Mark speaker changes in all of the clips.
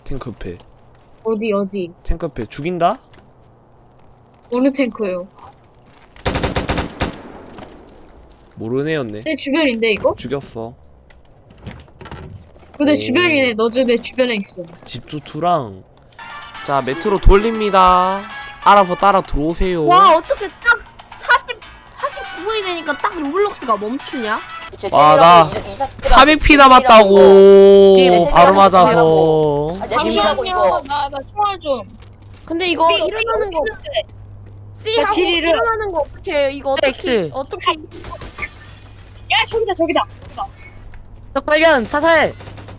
Speaker 1: 탱크 옆에.
Speaker 2: 어디?
Speaker 1: 탱크 옆에 죽인다?
Speaker 2: 어느 탱크요?
Speaker 1: 모르는 애였네.
Speaker 2: 내 주변인데 이거?
Speaker 1: 죽였어.
Speaker 2: 내
Speaker 1: 오.
Speaker 2: 주변이네. 너도 내 주변에 있어.
Speaker 1: 집주투랑. 자, 메트로 돌립니다. 알아서 따라 들어오세요.
Speaker 3: 와 어떻게 딱 49분이 되니까 딱 로블록스가 멈추냐?
Speaker 1: 아, 나 400피 남았다고. 바로 맞아서.
Speaker 2: 잠시만요. 나 총알 좀.
Speaker 3: 근데 이거 일어나는 거 C 하고
Speaker 2: 길이를-
Speaker 3: 일어나는 거 어떻게 해요? 이거
Speaker 4: X.
Speaker 3: 어떻게
Speaker 2: 야 저기다.
Speaker 4: 적발견 사살.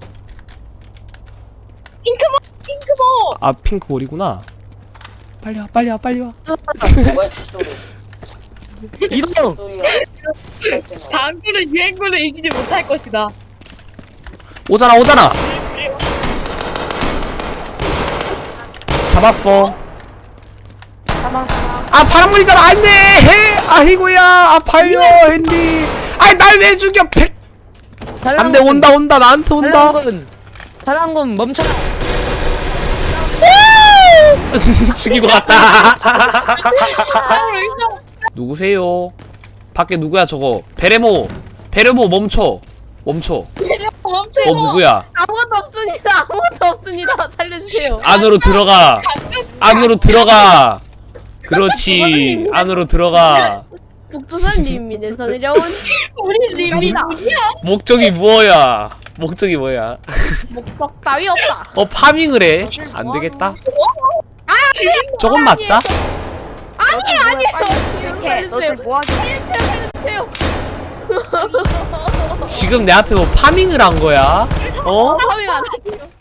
Speaker 2: 핑크볼.
Speaker 1: 아, 핑크볼이구나. 빨리 와.
Speaker 4: 이동.
Speaker 2: 당구는 유행구를 이기지 못할 것이다.
Speaker 1: 오잖아. 잡았어. 아, 파란물이잖아. 안 돼! 아이고야. 아, 팔려, 핸디. 아이, 날 왜 죽여, 백! 안 돼, 온다. 나한테 온다.
Speaker 4: 파란군 멈춰.
Speaker 1: 죽이고 갔다. 누구세요? 밖에 누구야, 저거? 베레모 멈춰.
Speaker 2: 멈춰.
Speaker 1: 누구야?
Speaker 3: 아무것도 없습니다. 살려주세요.
Speaker 1: 안으로 들어가. 그렇지. 안으로 들어가.
Speaker 3: 북조선님에서 내려온
Speaker 2: 우리 림이다.
Speaker 1: 목적이 뭐야?
Speaker 3: 목적 따위 없다.
Speaker 1: 파밍을 해. 안 되겠다. 조금 맞자.
Speaker 3: 살려주세요. 살려주세요.
Speaker 1: 지금 내 앞에 뭐 파밍을 한 거야? 어?
Speaker 3: 파밍 안 해요.